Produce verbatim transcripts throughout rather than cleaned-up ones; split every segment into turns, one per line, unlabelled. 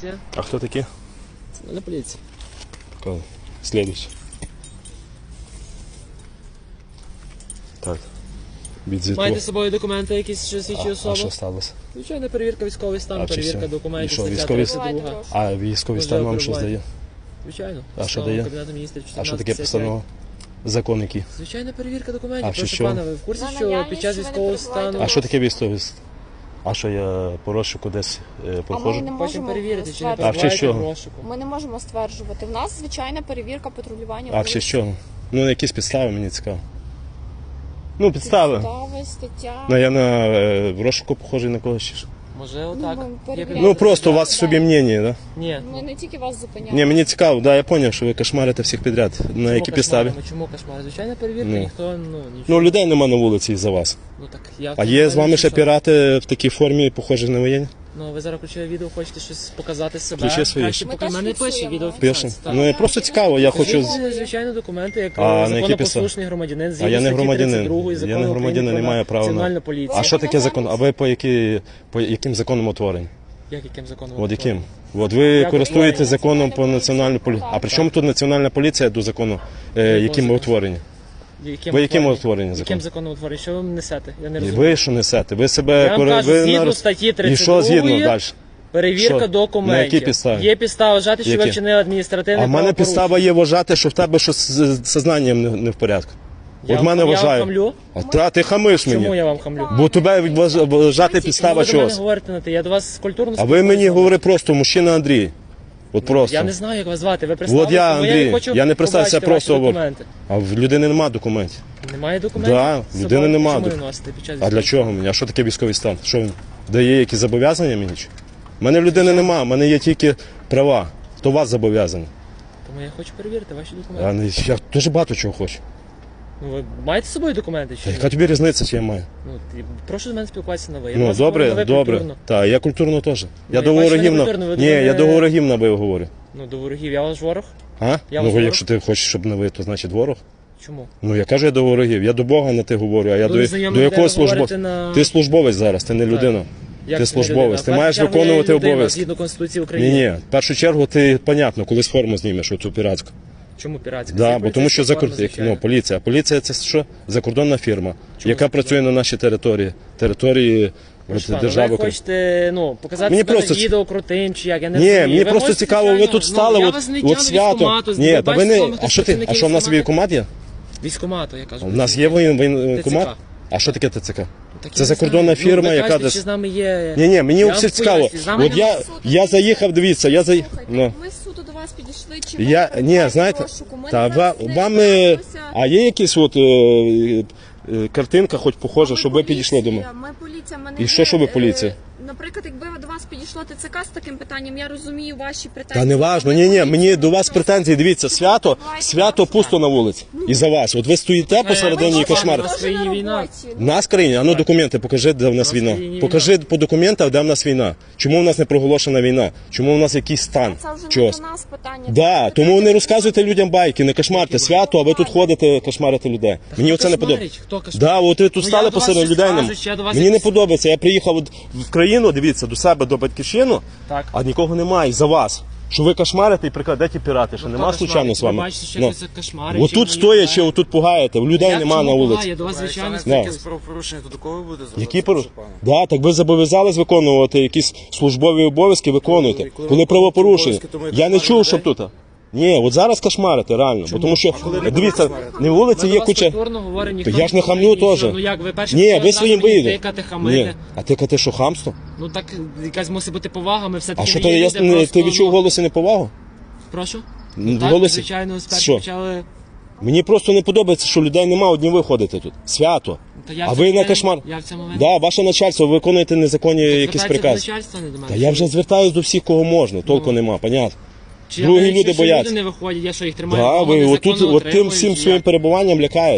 поліція.
А хто такі?
Це не поліція.
Коли? Слідуючий. Так. Від
Маєте з собою документи якісь, що свідчать
а,
особу?
а що сталося?
Звичайно, перевірка військовий стан,
А, чи
перевірка
все? І
документів,
що,
стаття
військовий
тридцять друга.
А військовий
Може,
стан вам що
перебуває.
здає?
Звичайно.
А що
Постанова
дає?
Кабінету Міністрів
А що таке
чотирнадцять п'ятдесят п'ять.
постанова? Закон який?
Звичайно, перевірка документів.
А, що,
Прошу
що?
пана, ви в курсі,
За
що
наявність,
під час
що ви не
військового
перебуваєте
стану...
А що таке військовий стан? А що я по розшуку десь е,
А ми
проходжу?
не
Хочемо
можемо
перевірити, чи не
А в
стверджувати.
честь
перебуваєте в
чого?
розшуку.
Ми не можемо стверджувати. В нас звичайна перевірка патрулювання.
А ще що? Ну, якісь підстави мені цікаво. Ну, підстави.
Підстави, стаття.
Ну, я на е, в розшуку похожий на когось чи що?
Може, отак?
ми
Є
перевіряємо.
підозра?
Ну, просто у вас в собі мнення, да?
Ні.
Ми не тільки вас зупиняємо.
Ні, мені цікаво, да, я зрозумів, що ви кошмарите всіх підряд. На
Чому
які підставі?
кошмаримо? Чому кошмар? Звичайно, перевірка,
Ну.
ніхто, ну, нічого.
Ну, людей нема на вулиці із-за вас.
Ну, так, я
А є з вами ще
що?
пірати в такій формі, похожі на воєнні?
Ну, ви зараз включили відео, хочете щось показати себе.
Включи своє.
Краще
Ми
поки
теж
мене пише
фіксуємо.
відео.
Пише? Ну, я просто цікаво, я хочу... з-
Це, звичайно, документи, як
А, на які
законопослушний громадянин,
А
згідно
я не
статті
громадянин.
тридцять другої
Я
закону
не
України
громадянин,
про
не маю права на-
Національну поліцію.
А що таке закон? А ви по, які, по яким законам утворені?
Як яким законом?
От яким? От ви
Я
користуєтесь
говорю,
законом по
Національна
національній поліції.
поліція.
А при чому тут національна поліція до закону, е, яким ви утворені?
Яким
Ви яким
утворені?
утворені
Яким
закон?
законом утворені? Що ви несете? Я не
І
розумію.
ви що несете? Ви себе...
Я вам
кори-
кажу,
ви
згідно
на-
статті
І
тридцять
що згідно
другої,
далі?
перевірка
Що?
документів.
На якій підставі?
Є підстава вважати, що ви
Які?
вчинили адміністративне
А в мене
правопорушення.
підстава є вважати, що в тебе щось з з сознанням не, не в порядку.
Я
От
вам-
мене
я вам
вважаю.
хамлю?
А та, ти хамиш
Чому
мені.
я вам хамлю?
Бо тебе вваж- вважати
Ви
підстава
до мене
чогось.
говорите на ти. Я до вас культурно
А ви мені
спілкуюся.
говори просто, мужчина Андрій. От просто.
Я не знаю, як вас звати. Ви представили,
От я,
тому
Андрій.
не хочу
Я не представився,
побачити
просто
ваші
говорю.
документи.
А в людини нема документів.
Немає документів?
Да,
з
людини
собою?
нема
Чому
док-
не носите під час
А для
військового
чого мені? А що таке військовий стан? Що він дає якісь зобов'язання мені? чи? У мене в людини нема, в мене є тільки права. То вас зобов'язані.
стану? Тому я хочу перевірити ваші документи.
Я, не- я дуже багато чого хочу.
Ну, ви маєте з собою документи чи
Та
ні?
яка тобі різниця, чи я маю?
Ну, ти- прошу з мене спілкуватися на ви. Я до
Ну,
вас говорю на
добре,
ви
добре.
культурно.
Так, я культурно теж.
Ну,
Я
я
до
бачу,
ворогів
ви
на...
культурно, ви
Ні,
до
я
мене-
до ворогів на ви говорю.
Ну, до ворогів. Я ваш ворог?
А?
Я
Ну,
вас
якщо ти хочеш, щоб не ви, то значить ворог.
Чому?
Ну, я кажу, я до ворогів. Я до Бога не ти говорю, а я
Ну,
до,
незнайомі
до
людей
якого
ви
службовця?
говорите на-
Ти службовець зараз, ти не людина.
Як
Ти
це не
службовець,
людина?
ти
В
маєш
першу чергу, я
виконувати
людина,
обов'язки.
Згідно Конституції
Ні,
України.
ні. В першу чергу ти, понятно, колись форму знімеш, оцю піратську.
Чому піратська?
Да,
Це
бо тому що за
поліцейська форма,
ну, поліція. Поліція це що? Закордонна фірма,
Чому
яка
закордонна?
працює на нашій території, території от,
Руслан,
держави.
ви
України.
хочете, ну, показати
Мені
себе
просто
на
ці-
відео крутим чи як, я не
Ні,
розумію.
мені
Ви
просто
хочете,
цікаво, ви
звичайно,
тут стали,
ну, я
от,
вас не
от
тягну
свято.
військкомату,
Ні, та ви
бачите,
не.
саме
А
хтось
що ти? А
працівників
що в нас
військкомату?
військкомат є?
Військкомату, я кажу.
У нас є воєн- воєнкомат?
ТЦК.
А що таке ТЦК?
Так я
Це
не
закордонна
знаю.
фірма,
Ну, ви
яка
кажете,
десь.
чи з нами є...
Ні, ні, мені
Я вам
все цікаво.
поясню, з нами
От я,
немає
я заїхав, дивіться, я заїхав.
Слухайте,
Ну.
ми з суду до вас підійшли, чи ви
Я, ні,
перебуваєте в
знаєте,
розшуку? Ми
та
не
ва,
не
вам, е,
збираємося.
а є якісь от, е, е, е, картинка, хоч похожа,
Ми
щоб ви підійшли до
поліція,
мене?
Ми поліція, ми не
І що,
є,
що ви
е,
поліція?
Наприклад, якби до вас підійшло ТЦК з таким питанням, я розумію ваші претензії.
Та не важно,
Ми
ні, ні,
поліція,
мені до вас
ми
претензії, дивіться, свято,
Відбувається
свято
розшук.
пусто на вулиці. І за вас. От ви стоїте посередині і
Ми
кошмар.
теж
Теж на
війна.
роботі.
В нас в країні, а ну документи, покажи, де в нас
У нас в
війна.
країні
Покажи по документах, де в нас війна. Чому в нас не проголошена війна? Чому в нас якийсь стан?
Це вже не
Чогось.
до нас питання.
Да,
Це
тому
питання
не розказуйте людям байки, не кошмарте свято, а ви тут ходите, кошмарите людей. Мені
хто
оце не
кошмарить?
подобається.
Хто кошмарить?
Да, от ви тут
Ну,
стали
я до вас
посеред
щось
людей.
скажу,
нам-
чи я до вас
Мені не
якісь-
подобається. Я приїхав от в країну, дивіться, до себе, до батьківщину,
Так.
а нікого немає за вас. Що ви кошмарите і прикладете пірати, що
Ну,
нема
хто
случайно
кошмарить?
з вами.
Ви бачите, що
Ну.
хтось кошмарить, чи
Отут
мені
стоячи,
буває?
отут пугаєте, людей
Як
нема
чому
на
буває?
вулиці.
Я до вас, звичайно,
Да.
спілкуюся.
Якісь правопорушення, то до кого ви будете
Які
звертатися,
пору...
прошу пана?
Да, так ви зобов'язались виконувати якісь службові обов'язки, виконуйте.
Коли- коли
Коли
ви
правопорушення.
обов'язки, то ми
Я не
кошмаримо
чув, щоб
людей?
тут. Ні, от зараз кошмарите, реально. Бо тому що,
коли ви
дивіться,
кошмарите?
на вулиці
Ми до
є
вас
куча.
культурно говоримо,
То
ніхто
я ж не
ніколи
хамлю
нічого.
теж.
Ну як, ви перші
Ні,
почали
ви
зразу
своїм
мені
виїдете.
тикати,
Ні,
хамити.
а тикати що, хамство?
Ну так якась мусить бути повага, ми все-таки
А що
не
то
є
я
люди,
не-
просто,
ти відчув в
ну,
голосі неповагу?
Прошу?
Ну, в
Так,
голосі?
звичайно, спершу
Що?
почали...
Мені просто не подобається, що людей нема, одні ви ходите тут. Свято.
Та я
А
в
ви
цьому
на
винен-
кошмар.
Я в цьому винен.
Да, ваше начальство, ви виконуєте незаконні якісь
Звертайтеся до
прикази.
начальства, не до мене.
Та я вже звертаюсь до всіх, кого можна, толку
Ну.
нема, понятно.
Чи я
другі
навіть,
люди
що
бояться.
люди не виходять, я що їх тримаю?
Да,
вдома,
ви
незаконно
отут, от тим
утримую,
всім
чи
своїм
як?
перебуванням лякаєте.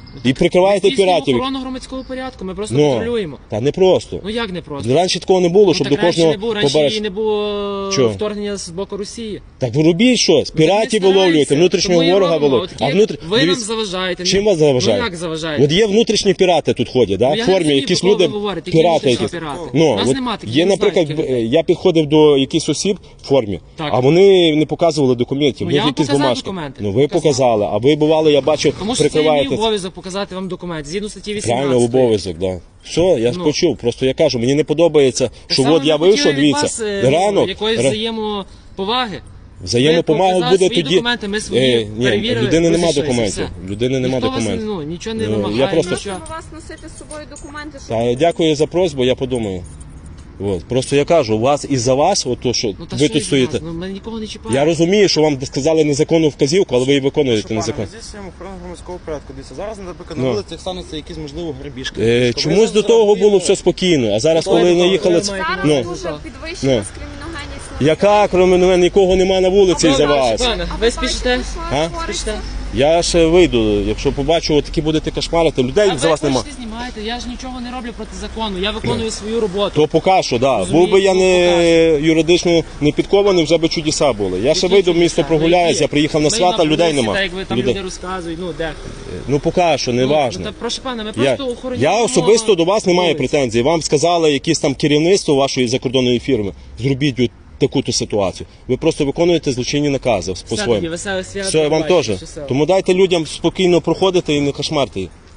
І прикриваєте
Ми здійснюємо
піратів.
охорону громадського порядку, ми просто
Ну,
контролюємо.
та не просто.
Ну як не просто?
Раніше такого не було,
Ну,
щоб
так
до
раніше
кожного
не було, раніше
побереш.
і не було
Чого?
вторгнення з боку Росії.
Так ви робіть щось,
Ви
піратів
не
виловлюєте,
стараєтеся.
внутрішнього
Тому і
ворога
робимо.
виловлюєте.
От
А
є-
внутр...
Ви нам
дивіться,
заважаєте.
чим вас заважає?
Ну як заважаєте?
От є внутрішні пірати тут ходять, да?
Ну,
в
я
формі,
не розумію,
якісь
про кого
люди,
ви говорите, які
пірати
внутрішні
якісь.
пірати?
Ну,
У нас
от
нема таких,
є,
я не знаю
наприклад,
таких
б-
людей.
я підходив до якихось осіб в формі,
Так.
а вони не показували документів,
Ну,
в
я
них
вам
якісь
показав
бумажки.
документи.
Ну ви
Показав.
показали, а ви бували, я бачу,
Тому що це є мій
прикриваєте.
обов'язок показати вам документ. Згідно статті вісімнадцять.
Правильно, обов'язок, да. Все, я
Ну.
почув. Просто я кажу, мені не подобається, що
Саме
от я
ми хотіли
вийшов,
від
дивіться,
вас, е, ну,
ранок,
якоїсь
ра-
взаємоповаги.
взаємопомога
Ви
буде
показали свої
тоді.
документи, ми свої
Е, ні,
перевірили,
людини нема
розійшлися,
документів.
все.
Людини нема
Ніхто вас,
документів.
ну, нічого не
Ну, я
вимагає,
просто-
нічого.
Просимо вас носити з собою документи, щоб
Та, дякую за просьбу, я подумаю. От. Просто я кажу, у вас із-за вас, от то, що
Ну, та
ви
що
тут
із
стоїте.
нас? Ну, ми нікого не чіпаємо.
Я розумію, що вам сказали незаконну вказівку, але ви її виконуєте
Що, пане,
незаконно.
ми здійснюємо охорону громадського порядку. Дивіться, зараз, наприклад,
Ну.
на вулицях стануться якісь, можливо, грабіжки.
Е,
Тобто
чомусь
ми
до того
зробимо-
було все спокійно, а зараз, коли
Добре,
наїхали.
добре,
ц-
маєте
зараз
Ну,
дуже
Ну.
підвищена
Ну.
криміногенність.
яка, крім мене, нікого нема на вулиці
Добре,
із-за вас.
Пане,
А
ви
ви
спішите?
бачите, що
А?
твориться?
Спішите?
Я ще вийду, якщо побачу, от такі будете кошмарити, людей
А
за
ви
вас нема.
хочете знімаєте, я ж нічого не роблю проти закону, я виконую свою роботу.
То поки що, да.
Розумію,
Був би я
ну,
не юридично не підкований, вже би чудеса були. Я ще
Які
вийду в
чудеса?
місто
Ну,
прогуляюсь,
які?
я приїхав на
Ми
свята, людей
вулиці,
нема.
Так, як ви там
Людей.
люди розказують, ну де.
Ну поки що, не
Ну,
важно.
ну, та, прошу пана, ми
Я,
просто охороняємо.
я особисто до вас не маю
вулиці.
претензій. Вам сказали якісь там керівництво вашої закордонної фірми. Зробіть от таку-то ситуацію. Ви просто виконуєте злочинні накази
Все тоді,
по-своєму.
веселе свято.
Все, вам
побачимо,
теж.
щасливо.
Тому дайте людям спокійно проходити і не кошмарте їх.